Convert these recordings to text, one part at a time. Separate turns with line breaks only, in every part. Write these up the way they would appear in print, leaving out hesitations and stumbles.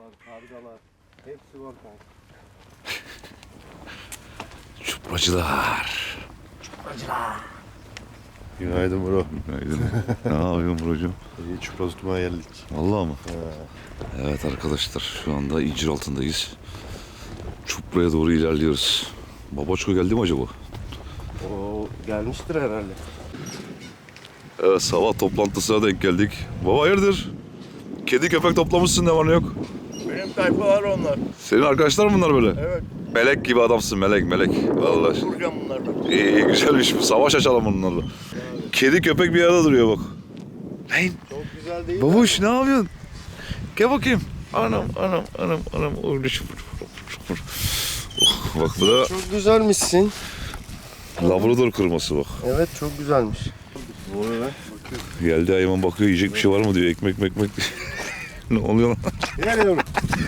kargalar. Hepsi var kanka.
Çupracılar.
Günaydın bro.
Günaydın. Ne yapıyorsun brocum?
İyi çupra tutmaya geldik.
Vallahi mı? Evet arkadaşlar şu anda incir altındayız. Çupra'ya doğru ilerliyoruz. Babaçko geldi mi acaba?
O gelmiştir herhalde.
Evet sabah toplantısına denk geldik. Baba hayırdır? Kedi köpek toplamışsın ne var ne yok?
Benim tayfalar onlar.
Senin arkadaşlar mı bunlar böyle?
Evet.
Melek gibi adamsın melek. Vallahi.
Duracağım bunlarla.
İyi güzelmiş bu. Savaş açalım bunlarla. Kedi köpek bir arada duruyor bak. Lan
Çok güzel değil mi?
babuş ne yapıyorsun? Gel bakayım. Anam. Orada Oh, bak bu da
Çok güzelmişsin.
Labrador kırması bak.
Evet çok güzelmiş. Doğru be.
Geldi hayvan bakıyor yiyecek bir şey var mı diyor. Ekmek. Ne oluyor lan?
Gel yavrum.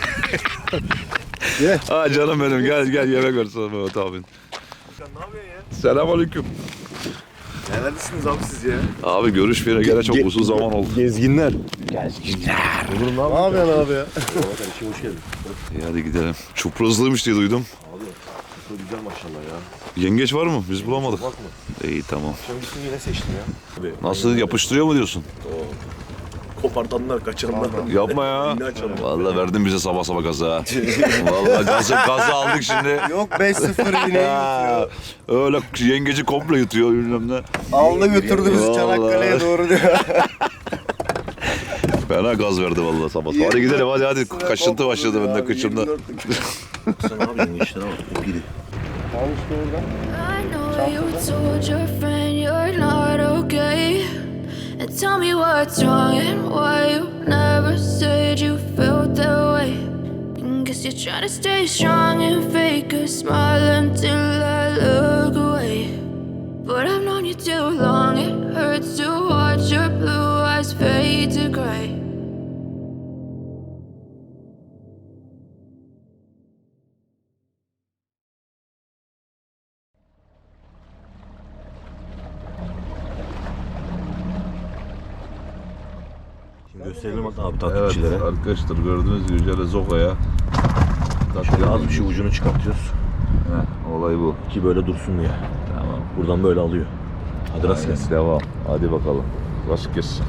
Gel.
Ha canım benim gel yemek ver sana Mehmet abin.
Sen ne yapıyorsun ya?
Selamünaleyküm.
Neredesiniz abi siz ya?
Abi görüşmeyene gene çok uzun zaman oldu.
Gezginler.
Oğlum ne
Ne yapıyorsun abi ya?
kardeşim hoş geldin.
İyi hadi gidelim. Çuprazlıymış diye duydum.
Abi çok güzel maşallah ya.
Yengeç var mı? Biz bulamadık.
Bakma.
İyi tamam.
Sen gittin yine seçtin ya. Abi,
Nasıl yapıştırıyor mu diyorsun?
kopartanlar, kaçıranlar.
Yapma ya.
Yine açalım.
Vallahi verdin bize sabah gazı ha. Vallahi gazı aldık şimdi.
Yok 5-0 yine
Ha, öyle yengeci komple yutuyor bilmem ne.
aldı götürdü bizi
Vallahi.
Çanakkale'ye doğru diyor.
Fena gaz verdi vallahi sabah. Hadi gidelim hadi. Kaşıntı başladı bende kıçımda.
Sen ne yapıyorsun işine bak. Gidi.
Tamam işte orada.
I know you told your friend you're not okay. And tell me what's wrong and why you never said you felt that way. And guess you're trying to stay strong and fake a smile until I look away. But I've known you too long, it hurts to watch your blue eyes fade to gray.
Şimdi gösterelim abi
Evet
takipçilere.
arkadaşlar gördüğünüz gibi Yüce Zoka'ya.
Şöyle az bir şey ucunu çıkartıyoruz.
Olay bu.
Ki böyle dursun diye.
Tamam.
Buradan böyle alıyor. Hadi rast gelsin.
Devam. Hadi bakalım. Rast gelsin.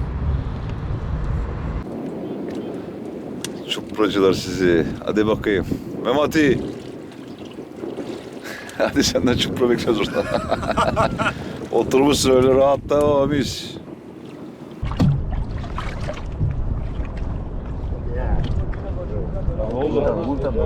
Çupracılar sizi. Hadi bakayım. Memati. Hadi senden çupra bekliyoruz orada. Oturmuşsun öyle rahatta mis.
Vur temden.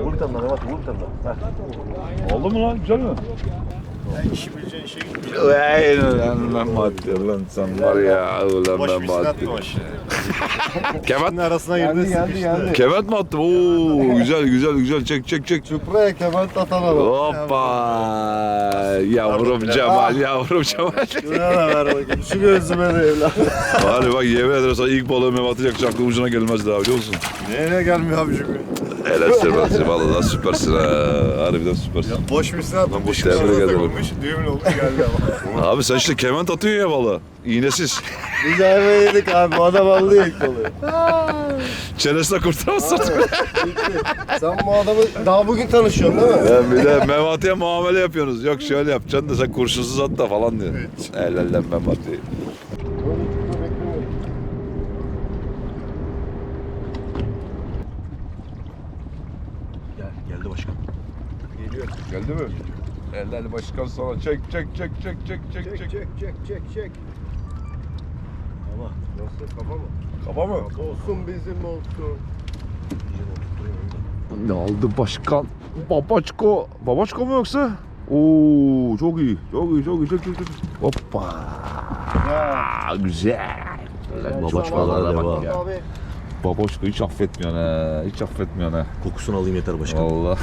Oldu mu lan? Güzel mi?
İşi bileceğin şey gibi.
Lan Memati lan sen var ya. Ulan
Boş bir silah
Memati.
atmamış.
Kemet.
arasına
Geldi.
Kemet mi attım? Oo güzel çek.
Çupra'ya kebap atan adam.
Hoppa! Yavrum Cemal.
Şuna da ver bakayım. Şu gözüme de evlat.
Hadi bak yemin ederim sana ilk balığı Mehmet atacak aklım ucuna gelmez daha biliyor musun?
Nereye gelmiyor abi çünkü?
Helal Mehmet'ciğim vallahi süpersin ha. Harbiden süpersin.
Boş bir silah atmamış.
boş tebrik ederim.
Düğümün oldu geldi ama.
Abi sen işte kement atıyorsun ya balığı. İğnesiz.
Biz ayva yedik abi. Bu adam aldı ilk balığı.
Çenesine kurtaramazsın.
Sen bu adamı daha bugün tanışıyorsun değil mi?
Ben bir de Mehmet'e muamele yapıyorsunuz. Yok şöyle yapacaksın da sen kurşunsuz at da falan diyor. Helal lan Mehmet'i.
Geldi başkan.
Geliyor. Geldi mi? Helal başkan sana. Çek.
Çek.
Ama
Nasıl kafa mı?
Kafa mı?
Olsun bizim olsun.
Ne aldı başkan? Babaçko. Babaçko mu yoksa? Oo çok iyi. Çok. Hoppa. Güzel.
Babaçko'lara bak
ya. Babaçko hiç affetmiyorsun ha. Hiç affetmiyorsun ha.
kokusunu alayım yeter başkan.
Vallahi.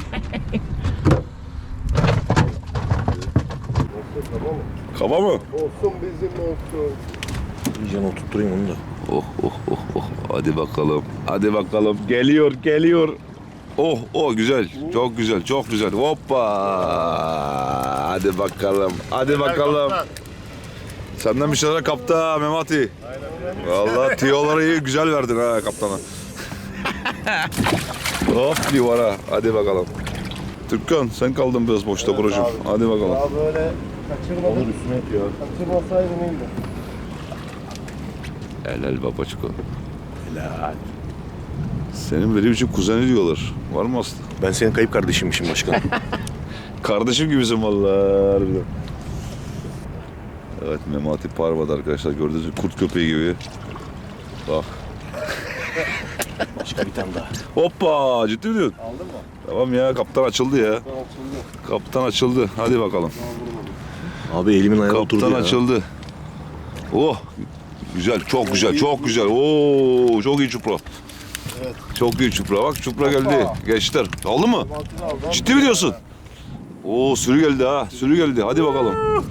Kaba mı?
Olsun bizim olsun.
İyice oturtturayım onu da.
Oh. Hadi bakalım. Geliyor. Oh güzel. Çok güzel. Hoppa. Hadi bakalım. Senden bir şeyler kaptı ha Memati. Vallahi tiyoları iyi güzel verdin ha kaptana. Hop livara. Hadi bakalım. Türkan sen kaldın biraz boşta brocum. Hadi bakalım.
Daha böyle kaçırmadım.
Olur üstüne yatıyor.
Kaçırmasaydım iyiydi.
Helal babaçko.
Helal.
Senin benim için kuzeni diyorlar. Var mı Aslı?
Ben senin kayıp kardeşimmişim başkan.
Kardeşim gibisin vallahi harbiden. Evet Memati Parva'da arkadaşlar gördüğünüz gibi kurt köpeği gibi. Bak.
Başka bir tane daha.
Hoppa ciddi mi diyorsun?
Aldın mı?
Tamam ya kaptan açıldı ya.
Açıldı.
Kaptan açıldı. Hadi bakalım.
Abi elimin ayağı oturdu
Kaptan
ya.
açıldı. Oh güzel çok güzel çok güzel. Oo çok iyi çupra.
Evet.
Çok iyi çupra. Bak çupra geldi. Gençler. Aldın mı?
Mantını aldım.
Ciddi mi diyorsun? Oo sürü geldi ha. Sürü geldi. Hadi bakalım.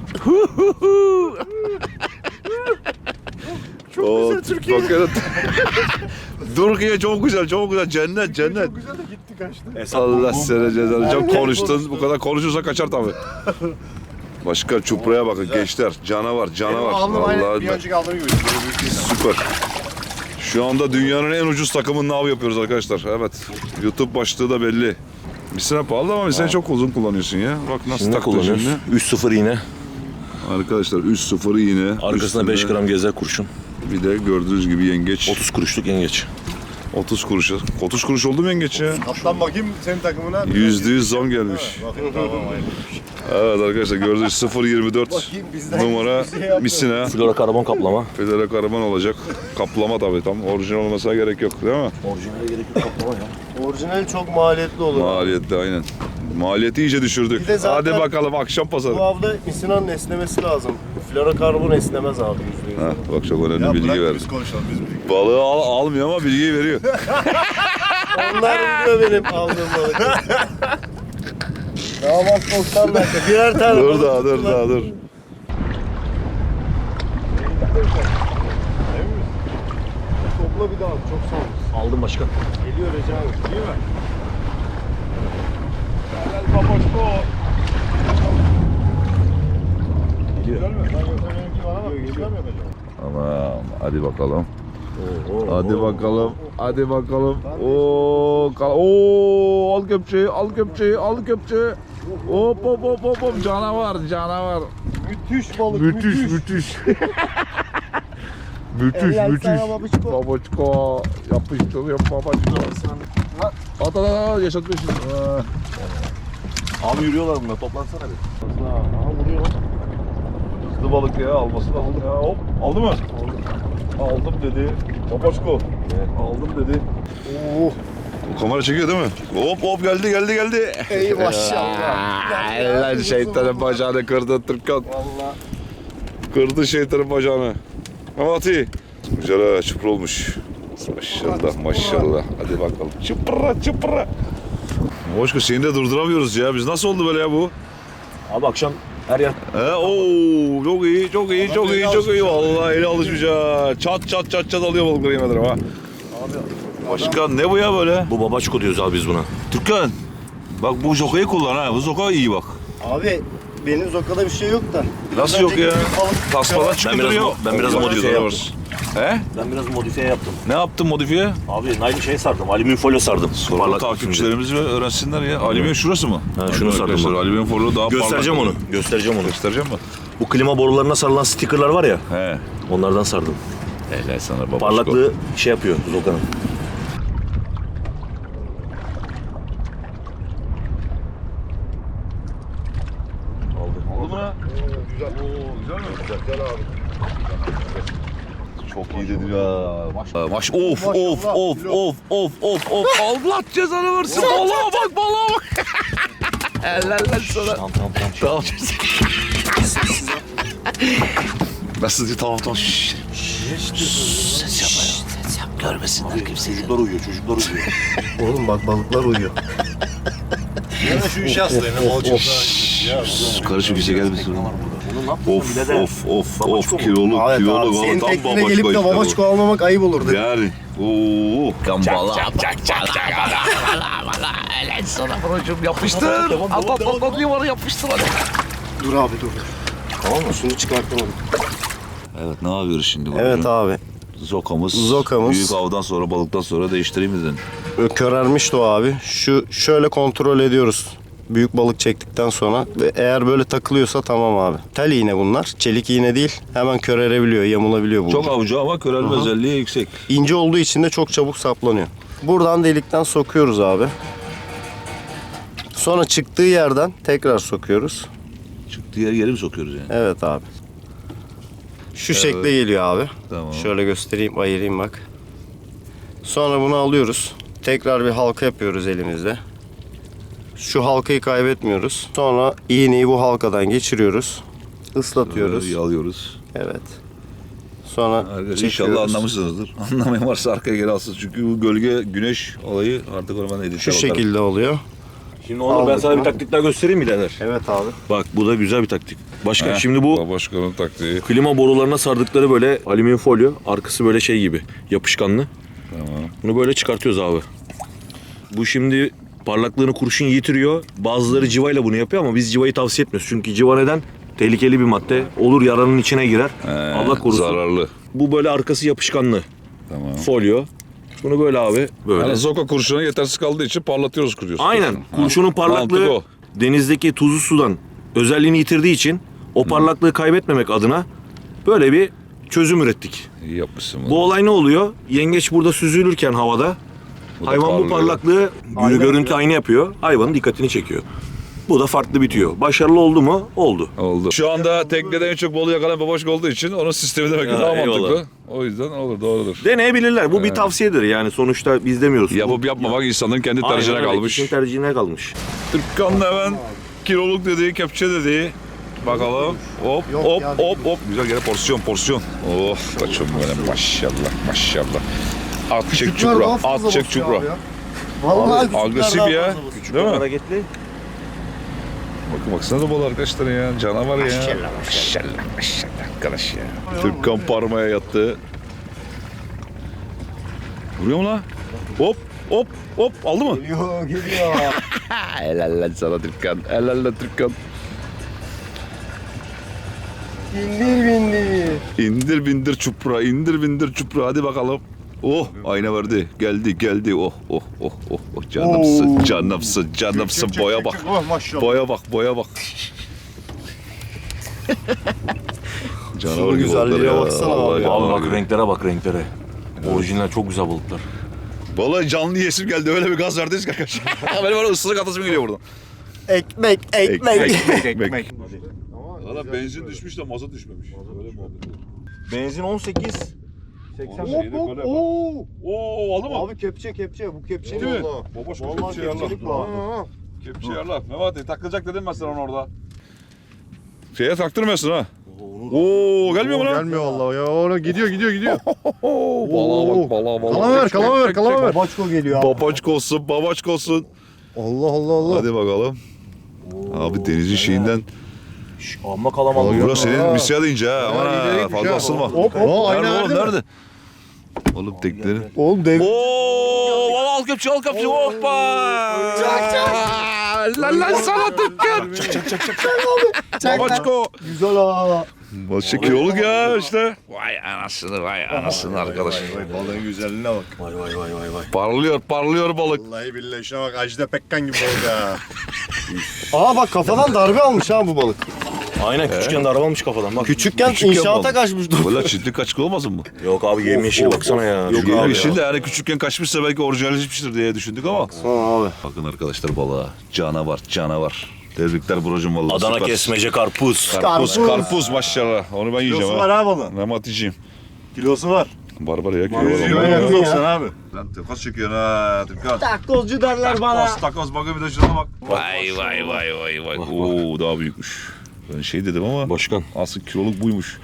Çok güzel Türkiye. Türkiye çok güzel, çok güzel. Cennet, cennet.
Çok güzel de gitti kaçtı.
Allah seni cezanı. Çok konuştun. Bu kadar konuşursa kaçar tabii. Başka çupraya bakın gençler. Canavar, canavar.
Aldım aynı bir
Vallahi
önceki aldığım gibi. Böyle büyük değil.
süper. Şu anda dünyanın en ucuz takımının av yapıyoruz arkadaşlar. Evet. YouTube başlığı da belli. Misine pahalı ama misine çok uzun kullanıyorsun ya. Bak nasıl
Şimdi ne
taktın
kullanıyoruz?
şimdi.
3-0 iğne.
Arkadaşlar 3-0 iğne.
Arkasına 5
Üstünde
gram gezer kurşun.
Bir de gördüğünüz gibi yengeç.
30 kuruşluk yengeç.
30 kuruş. 30 kuruş oldu mu yengeç ya?
Kaptan bakayım senin takımına.
%100 zam gelmiş.
Bakın tamam aynı.
Evet arkadaşlar gördüğünüz 0.24
Bakayım bizden
numara
hiçbir şey yapmıyor.
misina.
Flora karbon kaplama.
Federe karaman olacak. Kaplama tabii tam. Orijinal olmasına gerek yok değil mi?
Orijinale gerek yok kaplama ya.
Orijinal çok maliyetli olur.
Maliyetli aynen. Maliyeti iyice düşürdük.
Bir de zaten
Hadi bakalım akşam pazarı.
Bu avda misinanın esnemesi lazım. Florokarbon esnemez abi %100.
Ha, bak çok önemli bilgi verdi.
biz konuşalım biz bilgi.
Balığı almıyor ama bilgiyi veriyor.
Onlar biliyor benim aldığım balık. Damat 90 dakika. Birer tane
dur
balık
daha dur
tuttular.
daha dur.
Topla bir daha çok sağ ol.
Aldım başkan.
Geliyor Recep abi. Değil mi?
Geliyor.
Ben yoksa benimki var ama çıkamıyor acaba.
Tamam hadi bakalım. Hadi bakalım. Hadi bakalım. Oo, al köpçeyi, al köpçeyi, al köpçeyi. Hop hop hop hop hop canavar, canavar.
Müthiş balık.
Müthiş, müthiş. Müthiş,
Helal
müthiş.
sana babuçko.
Babuçko. Yapıştır, babuçko. At at at, yaşatma şimdi.
Abi yürüyorlar bunlar toplansana bir.
Aha vuruyor lan.
Hızlı balık ya, alması lazım ya. Hop, aldı mı? Aldım dedi. Babuçko. Aldım dedi.
Oo.
Bu kamera çekiyor değil mi? Hop hop geldi geldi geldi.
Ey maşallah.
Lan şeytanın bacağını kırdı Türkan.
Valla.
Kırdı şeytanın bacağını. Memati. Güzel ha çupra olmuş. Maşallah maşallah. Hadi bakalım. Çıpra çıpra. Boşko seni de durduramıyoruz ya. Biz nasıl oldu böyle ya bu?
Abi akşam her yer
Oo çok iyi çok iyi çok iyi çok iyi. Vallahi eli alışmış ha. Çat çat çat çat alıyor balıkları yemin ederim ha. Başkan ne bu ya böyle?
bu babaçko diyoruz abi biz buna.
Türkan. Bak bu zokayı kullan ha. Bu zoka iyi bak.
Abi benim zokada bir şey yok da.
Nasıl yok ya? Tasmadan
Ben
çıkıyor.
biraz modifiye yaptım.
He?
Ben biraz modifiye yaptım.
Ne yaptın modifiye?
Abi naylon şey sardım. Alüminyum folyo sardım.
Sonra
Parlak
takipçilerimiz ve öğrensinler ya. Alüminyum şurası mı?
Ha, şunu sardım
Arkadaşlar,
ben.
alüminyum folyo daha
Göstereceğim
parlak.
onu. Göstereceğim onu.
Göstereceğim mi?
Bu klima borularına sarılan stickerlar var ya.
He.
Onlardan sardım.
Helal sana babaşko.
Parlaklığı şey yapıyor zokanın.
Oldu mu?
Güzel.
Oo, güzel mi?
Güzel abi.
Çok iyi dedin ya. Maş of
Maşallah.
of of of of of of. Allah cezanı versin. Balığa bak balığa bak. Helal lan sana.
Tamam.
Tamam. Nasıl diyor tamam tamam. Şşş. Ses yapma ya. Ses yap görmesinler kimseyi.
Çocuklar uyuyor, çocuklar uyuyor.
Oğlum bak balıklar uyuyor. Ya da şu işe aslayın.
Karışık bir şey gelmesin.
Bunu ne yaptın
Of
birader?
of
Babaçko mu?
kiloluk
Evet abi senin
tam
teknine gelip de
işte bu.
babaçko almamak ayıp olurdu.
Yani. Oo. Gambala. Yapıştır. At limanı yapıştır hadi.
Dur abi dur. Tamam mı? Şunu çıkartamadım.
Evet ne yapıyoruz şimdi?
Evet abi.
Zokamız. Büyük avdan sonra, balıktan sonra değiştireyim mi dedin?
Körermişti o abi. Şöyle kontrol ediyoruz. Büyük balık çektikten sonra ve eğer böyle takılıyorsa tamam abi. Tel iğne bunlar. Çelik iğne değil. Hemen körerebiliyor, yamulabiliyor bu.
Çok avcı ama körelme özelliği yüksek.
İnce olduğu için de çok çabuk saplanıyor. Buradan delikten sokuyoruz abi. Sonra çıktığı yerden tekrar sokuyoruz.
Çıktığı yeri mi sokuyoruz yani?
Evet abi. Şu şekle geliyor abi.
Tamam.
Şöyle göstereyim, ayırayım bak. Sonra bunu alıyoruz. Tekrar bir halka yapıyoruz elimizde. Şu halkayı kaybetmiyoruz. Sonra iğneyi bu halkadan geçiriyoruz. Islatıyoruz.
Alıyoruz.
Evet. Sonra
Arkadaşlar
çekiyoruz.
inşallah anlamışsınızdır. Anlamayan varsa arkaya geri alsın. Çünkü bu gölge, güneş olayı artık onu ben edite
Şu
bakarım.
şekilde oluyor.
Şimdi onu ben sana bir taktik daha göstereyim mi birader?
Evet abi.
Bak bu da güzel bir taktik. Başkan şimdi bu
Başkanın taktiği.
klima borularına sardıkları böyle alüminyum folyo. Arkası böyle şey gibi yapışkanlı.
Tamam.
Bunu böyle çıkartıyoruz abi. Bu şimdi parlaklığını kurşun yitiriyor. Bazıları civayla bunu yapıyor ama biz civayı tavsiye etmiyoruz. Çünkü civa neden? Tehlikeli bir madde. Olur yaranın içine girer. Allah korusun.
Zararlı.
Bu böyle arkası yapışkanlı
Tamam.
folyo. Bunu böyle abi böyle.
Yani zoka kurşuna yetersiz kaldığı için parlatıyoruz kuruyoruz.
Aynen. Kurşunun
Mantık
parlaklığı
o.
denizdeki tuzlu sudan özelliğini yitirdiği için o parlaklığı kaybetmemek adına böyle bir çözüm ürettik.
İyi yapmışsın bunu.
Bu olay ne oluyor? Yengeç burada süzülürken havada
Bu da
hayvan bu
parlıyor.
parlaklığı görüntü aynı yapıyor. Hayvanın dikkatini çekiyor. Bu da farklı bitiyor. Başarılı oldu mu? Oldu.
Oldu. Şu anda teknede en çok balığı yakalayan babaşka olduğu için onun sistemi demek ki
Ya,
daha
eyvallah.
mantıklı. O yüzden olur, doğrudur.
Deneyebilirler. Bu bir tavsiyedir yani. Sonuçta biz demiyoruz.
Yapıp yapmamak insanların kendi
Aynen
tercihine
öyle.
kalmış.
Kişinin tercihine kalmış.
Türkkan'ın hemen kiloluk dediği, kepçe dediği. Bakalım. Hop hop hop hop. Güzel gene porsiyon. Of kaçım benim maşallah maşallah. At çek çupra. At çek çupra.
Vallahi
Agresif ya. Değil mi?
Hareketli.
Bakın baksana da balığı arkadaşlar ya. Canavar ya. Maşallah arkadaş ya. Türkkan parmaya yattı. Vuruyor mu lan? Hop hop hop. Aldı mı?
Geliyor.
Helal lan sana Türkkan. Helal lan Türkkan. İndir bindir çupra. İndir bindir çupra. Hadi bakalım. Oh ayna verdi. Geldi. Oh. Canımsın. Boya bak. Boya bak. Canavar gibi
güzelliğe
oldular ya.
baksana abi.
Vallahi
Abi
canavar
bak
gibi.
renklere bak renklere. Orijinal çok güzel balıklar.
Vallahi canlı yesim geldi. Öyle bir gaz verdiniz ki arkadaşlar. Benim öyle ısırık atasım geliyor buradan.
Ekmek.
Ekmek. Valla benzin düşmüş de mazot düşmemiş. Öyle muhabbet.
Benzin 18.
80. Oo aldı mı?
Abi kepçe bu kepçe
Değil mi? Babaş kepçe yarlar. Kepçe yarlar. Mehmet takılacak dedim ben sana onu orada. Şeye taktırmıyorsun ha. Oo gelmiyor mu lan?
Gelmiyor vallahi ya. Ona gidiyor.
Balığa bak.
Kalama ver. Babaçko geliyor abi.
Babaçko olsun.
Allah.
Hadi bakalım. Abi denizin şeyinden.
Amma kalamalı.
Burası senin misya deyince ha. Aman ha fazla asılma. Nerede oğlum nerede? Oğlum tekleri.
Oğlum dev.
Oo, al kepçe. Hoppa. Lan sana tıkkın. Çak. Babaçko.
Güzel ha.
Başka kiloluk ya işte. Vay anasını arkadaş.
Balığın güzelliğine bak.
Vay.
Parlıyor balık.
Vallahi billahi şuna bak Ajda Pekkan gibi oldu ha. Aa bak kafadan darbe almış ha bu balık.
Aynen küçükken de araba almış kafadan bak.
Küçükken inşaata
balık.
kaçmış.
Valla çiftlik kaçık olmasın mı?
Yok abi yemyeşil baksana ya.
Yok
Şu
abi
Yeşil de yani küçükken kaçmışsa belki orijinalleşmiştir diye düşündük ama.
Abi.
Bakın arkadaşlar balığa. Canavar. Tebrikler brocum vallahi.
Adana
süper.
kesmece karpuz.
Karpuz maşallah. Onu ben yiyeceğim
Kilosu
ha.
var ha balığın.
Mehmet yiyeceğim.
Kilosu var.
Barbar ya.
abi.
Lan takas çekiyorsun ha. Takas.
Takozcu derler bana.
Takas bakın bir de şuna bak. Vay. Oo daha büyükmüş. Ben şey dedim ama
Başkan.
asıl kiloluk buymuş.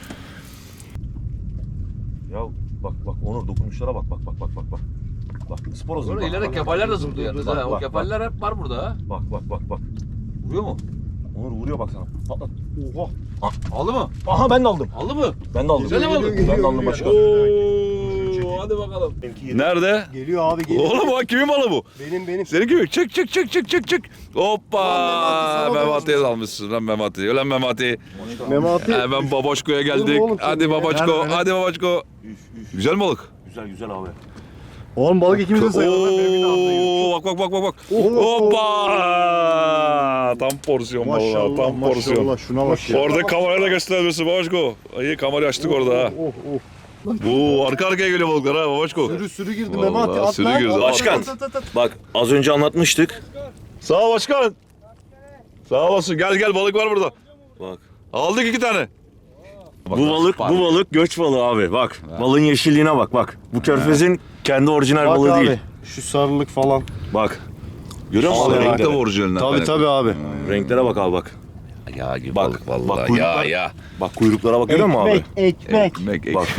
Ya bak Onur dokunuşlara bak. Bak sporoz.
Sonra ileride kefaller de zıplıyor yalnız ha. O
Bak.
kefaller hep var burada ha.
Bak. Vuruyor mu? Onur vuruyor bak sana. Patlat. Oha.
Aldı mı?
Aha ben de aldım.
Aldı mı?
Ben de aldım.
Güzel mi aldın?
Ben de aldım başkan.
Oo
hadi bakalım.
Nerede?
Geliyor abi geliyor.
Oğlum bak kimin balı bu?
Benim.
Senin gibi. Çık. Hoppa.
Ulan Memati,
Memati'ye dalmışsın lan Memati. Ulan Memati.
Memati.
Hemen Babaşko'ya geldik.
Oğlum,
Hadi Babaşko. Hadi Babaşko. Güzel balık.
Güzel abi.
Oğlum balık ikimiz de sayalım.
Oo, bak. Hoppa. Tam porsiyon vallahi. Tam porsiyon.
Maşallah şuna bak ya.
Orada kamerayla göstermesi Babaşko. İyi kamerayı açtık orada ha. Oo, arka arkaya geliyor balıklar ha Babaşko.
Sürü girdi
Vallahi
Memati. At
sürü
lan.
girdi.
At,
Başkan.
at.
Bak az önce anlatmıştık.
Sağ ol başkan. Sağ olasın. Gel balık var burada.
Bak.
Aldık 2 tane.
Bu balık göç balığı abi. Bak balığın yeşilliğine bak. Bu körfezin kendi orijinal
Bak
balığı
abi.
değil.
Şu sarılık falan.
Bak. Görüyor musun
Vallahi
Renkte
renklere?
orijinalinden.
Tabii abi.
Renklere bak abi bak.
Ya gibi
Bak,
balık vallahi.
bak kuyruklar-
ya.
Bak kuyruklara bak görüyor musun abi?
Ekmek.
Ekmek.
Bak.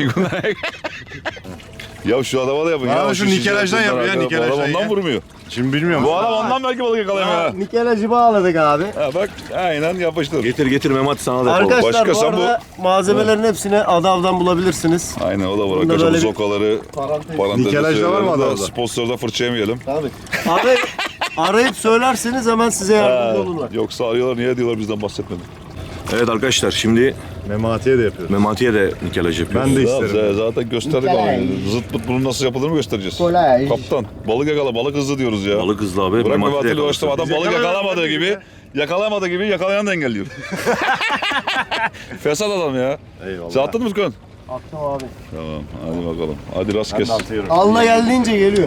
Ya şu adama da yapın.
Ya
ya
şu nikelajdan
şişler,
yapıyor ya,
bunlar,
nikelajdan
bu adam
ya.
ondan vurmuyor.
Şimdi bilmiyorum.
Bu adam ondan belki balık yakalayamıyor ha.
Nikelajı bağladık abi.
Ha bak aynen yapıştır.
Getir Memati sana da yapalım.
Arkadaşlar
Başka
bu
sen
arada malzemelerin hepsini Adav'dan bulabilirsiniz.
Aynen o da var
Bunda
arkadaşlar.
böyle bir
Zokaları parantezde
Nikelajda var mı
söyleyelim de
adamda?
sponsorda fırça yemeyelim.
Tabii. Arayıp söylerseniz hemen size yardımcı olurlar.
Yoksa arıyorlar niye diyorlar bizden bahsetmedin.
Evet arkadaşlar şimdi
Memati'ye de yapıyoruz.
Memati'ye de nikelaj yapıyoruz.
Ben de
Tamam,
isterim.
zaten gösterdik onu. Zıt pıt bunun nasıl yapıldığını mı göstereceğiz?
Kolay.
Kaptan balık yakala balık hızlı diyoruz ya.
Balık hızlı abi.
Bırak
Memati de
Memati'yle
yakalasın.
uğraştım adam balık yakalamadığı gibi yakalayan da engelliyor. Fesat adam ya.
Eyvallah.
Sen attın mı Furkan?
Attım abi.
Tamam hadi bakalım. Hadi rast
Ben
kes.
de atıyorum.
Allah geldiğince geliyor.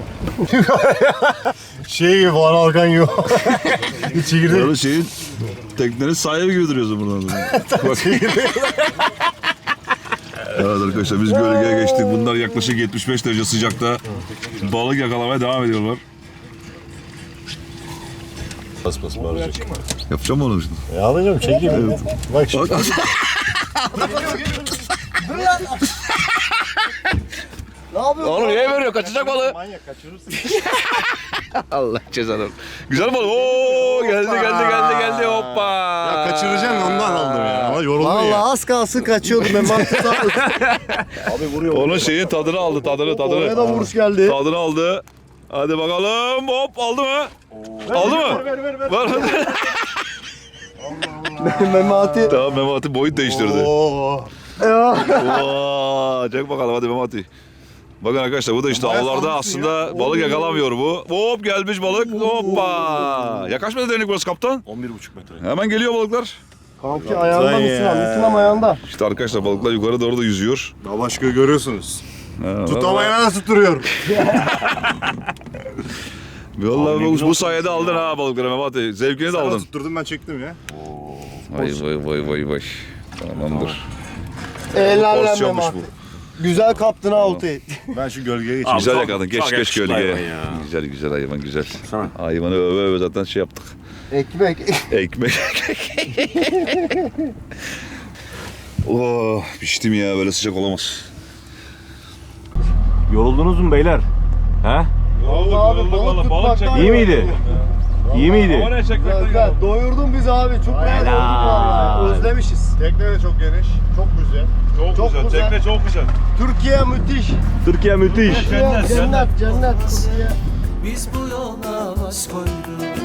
Şey gibi Van Alkan yok. Bir çekirdek.
Böyle şeyin teknenin sahibi gibi duruyorsun buradan. Bak. Evet arkadaşlar biz gölgeye geçtik. Bunlar yaklaşık 75 derece sıcakta balık yakalamaya devam ediyorlar.
Bas bağıracak.
Yapacağım mı onu şimdi?
Ya alacağım çekeyim. Bak şimdi.
Ne yapıyorsun?
Oğlum niye veriyor? Kaçacak balığı.
Manyak kaçırırsın.
Allah cezanı. Güzel balık. Oo geldi hoppa.
Ya kaçıracaksın ondan aldım ya. Ama yoruldun
Vallahi
ya.
az kalsın kaçıyordu Memati.
Abi vuruyor.
Onun şeyin tadını aldı
Oraya da vuruş geldi.
Tadını aldı. Hadi bakalım. Hop aldı mı? Aldı mı?
Ver.
Var.
Memati.
Tamam Memati boyut değiştirdi.
Oo.
Oo, çek bakalım hadi Memati. Bakın arkadaşlar bu da işte avlarda aslında balık yakalamıyor bu. Hop gelmiş balık. Hoppa. Yakaşmadı derinlik burası kaptan.
11,5 metre.
Hemen geliyor balıklar.
Kanki ayağında
Lan
mısın
ya.
abi? Mısın ayağında.
İşte arkadaşlar balıklar yukarı doğru da yüzüyor.
Başka görüyorsunuz.
Ha,
Tutamayana da tutturuyorum.
vallahi bu sayede aldın ha balıkları Memati. Zevkini de
Sana
aldın.
tutturdum ben çektim ya.
Vay. Tamamdır.
Helal lan
Porsiyonmuş
Memati.
bu.
Güzel kaptın ha oltayı.
Ben şu gölgeye geçeyim.
Güzel
çok-
yakaladın.
çok
Geç
yakışıklı
gölgeye.
hayvan ya.
Güzel hayvan güzel.
Sana.
Hayvanı öve zaten şey yaptık.
Ekmek.
Ekmek. Oh piştim ya böyle sıcak olamaz.
Yoruldunuz mu beyler? He?
Abi balık tutmaktan
İyi miydi? İyi miydi?
Güzel. Doyurdun bizi abi. Çok rahat olduk vallahi. Özlemişiz.
Tekne de çok geniş. Çok güzel.
Çok güzel.
Tekne çok güzel.
Türkiye müthiş.
Türkiye müthiş.
Cennet. Türkiye.
Biz bu yola baş koyduk.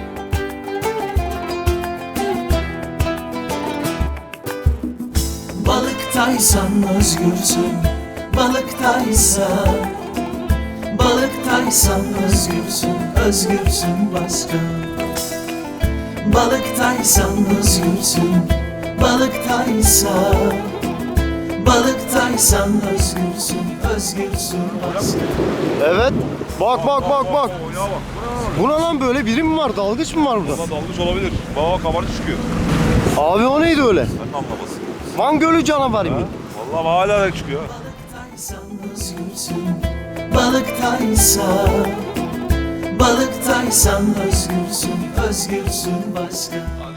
Balıktaysan özgürsün, balıktaysan. Balıktaysan özgürsün, özgürsün başka. Balıktaysan özgürsün, balıktaysan. Balıktaysan özgürsün, özgürsün başka.
Evet. Bak. Bu ne lan böyle? Biri mi var? Dalgıç mı var burada?
Dalmış olabilir. Baba kabarcı çıkıyor.
Abi o neydi öyle?
Ben anlamasın.
Van Gölü canavarı mı?
Vallahi hala da çıkıyor.
Balıktaysan özgürsün, balıktaysan. Balıktaysan özgürsün, özgürsün başka.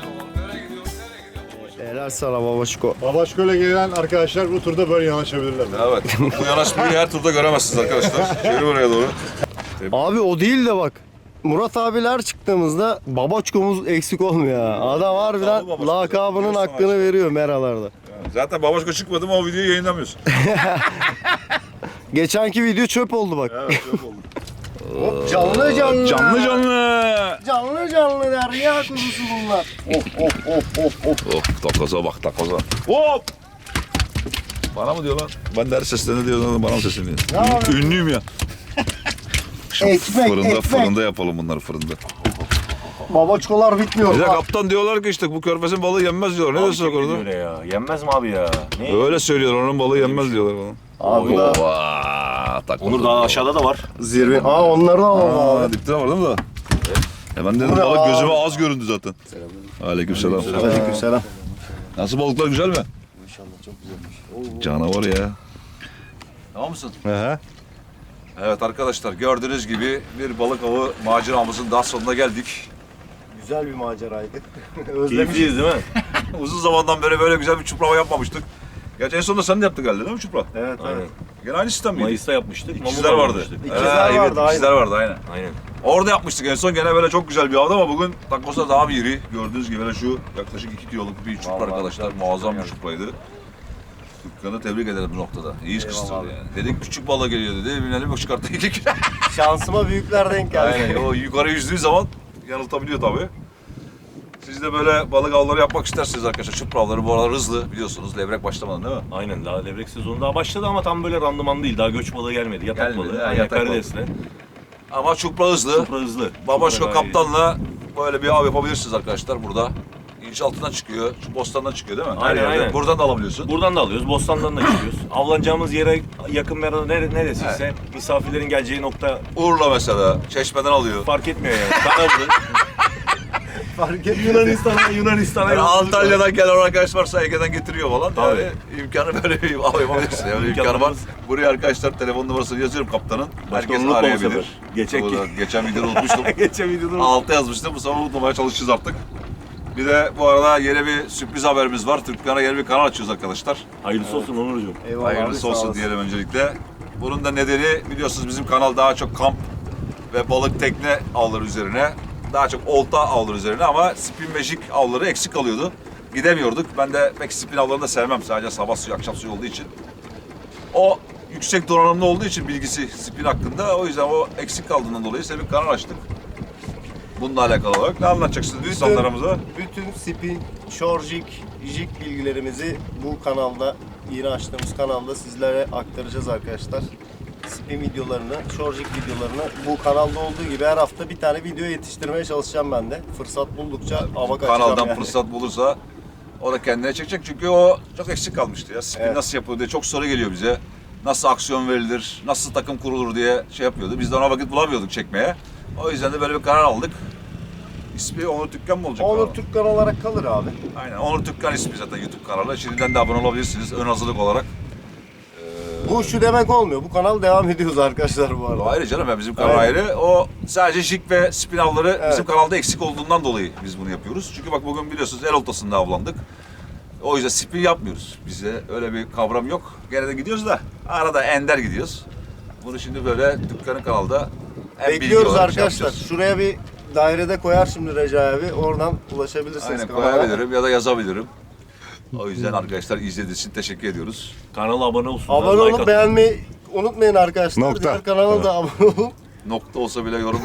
Helal sana babaşko.
Babaşko'yla gelen arkadaşlar bu turda böyle yanaşabilirler.
Evet. Bu yanaşmayı her turda göremezsiniz arkadaşlar. Şöyle buraya doğru.
Abi o değil de bak. Murat abiler çıktığımızda babaçkomuz eksik olmuyor ha. Adam harbiden
Babaçko.
lakabının hakkını veriyor meralarda.
Zaten Babaşko çıkmadı mı o videoyu yayınlamıyorsun.
Geçenki video çöp oldu bak.
Evet çok oldu.
Hop, canlı canlı.
Canlı canlı.
Canlı canlı derya kuzusu bunlar.
Of takoza bak takoza. Hop. Bana mı diyor lan? Ben de her seslerine diyor bana mı sesleniyor? Ünlüyüm ya.
Ekmek,
Fırında yapalım bunları fırında.
Babaçkolar bitmiyor.
Bir de
Bak.
kaptan diyorlar ki işte bu körfezin balığı yenmez diyorlar. Ne diyorsun orada?
Öyle ya. Yenmez mi abi ya? Ne?
Öyle söylüyorlar onun balığı yenmez diyorlar bana.
Abi da
Onur daha aşağıda da var.
zirve. Aa onları da alalım abi.
Dipte var değil mi da? Ben dedim balık gözüme az göründü zaten. Aleykümselam.
Aleykümselam.
Nasıl balıklar güzel mi? İnşallah çok güzelmiş. Canavar ya. Tamam mısın?
Hı.
Evet arkadaşlar gördüğünüz gibi bir balık avı maceramızın daha sonuna geldik.
Güzel bir maceraydı.
Keyifliyiz değil mi?
Uzun zamandan beri böyle güzel bir çuprava yapmamıştık. Gerçi en sonunda sen de yaptın galiba değil mi çupra?
Evet evet.
Gene aynı sistem miydi?
Mayıs'ta yapmıştık.
İkizler
Mamut'ta
vardı.
yapmıştık.
İkizler
evet,
vardı,
ikizler vardı aynen.
Aynen.
Orada yapmıştık en son gene böyle çok güzel bir avdı ama bugün takosa daha bir iri. Gördüğünüz gibi böyle şu yaklaşık 2 kiloluk bir çupra arkadaşlar. Muazzam bir çupraydı. Dükkanı tebrik ederim bu noktada. İyi kıstırdı yani. Dedik küçük balık geliyor dedi. Binelim yok çıkarttı yedik.
Şansıma büyükler denk geldi.
Aynen o yukarı yüzdüğü zaman yanıltabiliyor tabii. Siz de böyle balık avları yapmak isterseniz arkadaşlar çupra avları bu aralar hızlı biliyorsunuz. Levrek başlamadan değil mi?
Aynen daha levrek sezonu daha başladı ama tam böyle randıman değil. Daha göç balığı gelmedi. Yatak
Gelmedi,
balığı.
ha,
Aynen,
yatak balığı.
karidesle.
Ama çupra hızlı.
Çupra hızlı.
Babaşko
Çupra gayet iyi.
kaptanla böyle bir av yapabilirsiniz arkadaşlar burada. İnç altından çıkıyor, şu bostandan çıkıyor değil mi? Her
Aynen,
yerde.
aynen.
Buradan da alabiliyorsun.
Buradan da alıyoruz, bostandan da çıkıyoruz. Avlanacağımız yere yakın bir arada neresiyse misafirlerin geleceği nokta
Urla mesela, Çeşme'den alıyor.
fark etmiyor yani. Kanadı.
Fark etmiyor.
Yunanistan'a
Yani
yolculuk var.
Antalya'dan gelen arkadaş varsa Ege'den getiriyor falan.
Tabii.
Yani imkanı böyle bir av yapabilirsin. Yani imkanı var.
İmkanımız-
Buraya arkadaşlar telefon numarasını yazıyorum kaptanın. Herkes
unutma bu
arayabilir.
sefer.
Geçen videoda unutmuştum.
Geçen videoda
Altı yazmıştım. Bu sefer unutmamaya çalışacağız artık. Bir de bu arada yeni bir sürpriz haberimiz var. Türkkan'a yeni bir kanal açıyoruz arkadaşlar.
hayırlısı olsun Onurcuğum.
Eyvallah abi,
Hayırlısı
sağ
olsun
olasın.
diyelim öncelikle. Bunun da nedeni biliyorsunuz bizim kanal daha çok kamp ve balık tekne avları üzerine. Daha çok olta avları üzerine ama spin ve jig avları eksik kalıyordu. Gidemiyorduk. Ben de pek spin avlarını da sevmem. Sadece sabah suyu, akşam suyu olduğu için. O yüksek donanımlı olduğu için bilgisi spin hakkında. O yüzden o eksik kaldığından dolayı size bir kanal açtık. Bununla alakalı olarak ne anlatacaksınız insanlarımıza?
Bütün spin, shore jig, jig bilgilerimizi bu kanalda, yeni açtığımız kanalda sizlere aktaracağız arkadaşlar. Spin videolarını, shore jig videolarını bu kanalda olduğu gibi her hafta bir tane video yetiştirmeye çalışacağım ben de. Fırsat buldukça ava kaçacağım
Kanaldan
yani.
fırsat bulursa o da kendine çekecek çünkü o çok eksik kalmıştı ya. Spin
Evet.
nasıl yapılır diye çok soru geliyor bize. Nasıl aksiyon verilir, nasıl takım kurulur diye şey yapıyordu. Biz de ona vakit bulamıyorduk çekmeye. O yüzden de böyle bir karar aldık. İsmi Onur Türkkan mı olacak?
Onur
kanalın?
Türkkan olarak kalır abi.
Aynen Onur Türkkan ismi zaten YouTube kanalı. Şimdiden de abone olabilirsiniz ön hazırlık olarak.
Bu şu demek olmuyor. Bu kanal devam ediyoruz arkadaşlar bu arada.
O ayrı canım ya bizim kanal
Aynen.
ayrı. O sadece jig ve spin avları
Evet.
bizim kanalda eksik olduğundan dolayı biz bunu yapıyoruz. Çünkü bak bugün biliyorsunuz el oltasında avlandık. O yüzden spin yapmıyoruz. Bize öyle bir kavram yok. Gene de gidiyoruz da arada ender gidiyoruz. Bunu şimdi böyle dükkanın kanalda hem bilgi
Bekliyoruz
olarak şey
arkadaşlar.
yapacağız.
Şuraya bir dairede koyar şimdi Recai abi. Oradan ulaşabilirsiniz
Aynen
kanala.
koyabilirim ya da yazabilirim. O yüzden arkadaşlar izlediğiniz için teşekkür ediyoruz.
Kanala abone olsun.
Abone
like
olup
atın.
beğenmeyi unutmayın arkadaşlar.
Nokta.
Diğer kanala da abone olun.
Nokta olsa bile yorum.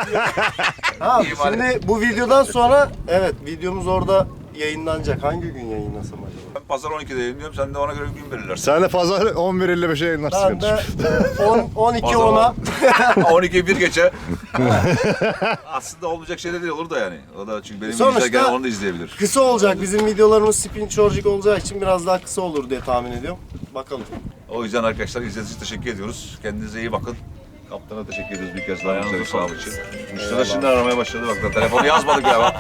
Ha,
İyi bari.
şimdi bu videodan sonra evet videomuz orada yayınlanacak. Hangi gün yayınlasam acaba?
Ben pazar 12'de yayınlıyorum. Sen de ona göre bir gün belirlersin.
Sen de pazar 11.55'e yayınlarsın.
Ben de 12
Pazar
10'a
12'yi bir geçe. Aslında olmayacak şey de değil olur da yani. O da çünkü benim
Sonuçta-
izler gelen onu da izleyebilir.
kısa olacak. Bizim videolarımız spin çorcuk olacağı için biraz daha kısa olur diye tahmin ediyorum. Bakalım.
O yüzden arkadaşlar izlediğiniz için teşekkür ediyoruz. Kendinize iyi bakın. Kaptana teşekkür ediyoruz bir kez daha.
Ayağınıza
Güzel bir sağ
sağlık.
için. Müşteriler şimdi aramaya başladı bak da telefonu yazmadık ya.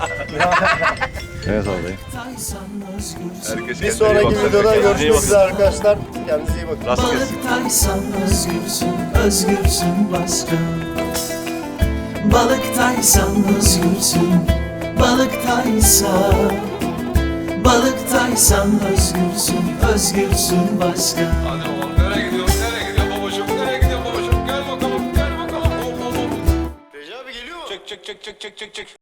Evet abi.
Balıktaysan özgürsün.
Herkes
Bir
kendine iyi
sonraki
baksın.
videoda
Herkes kendine iyi
görüşmek
baksın.
üzere arkadaşlar. Kendinize iyi bakın.
Rast gelsin.
Balıktaysan özgürsün, özgürsün başka. Balıktaysan özgürsün, balıktaysan. Balıktaysan özgürsün, özgürsün başka.
Hadi oğlum nereye gidiyorsun? Nereye gidiyorsun babacığım? Nereye gidiyorsun babacığım? Gel bakalım. Gel bakalım. Hop hop hop.
Recai abi geliyor mu?
Çek çek çek çek çek çek çek.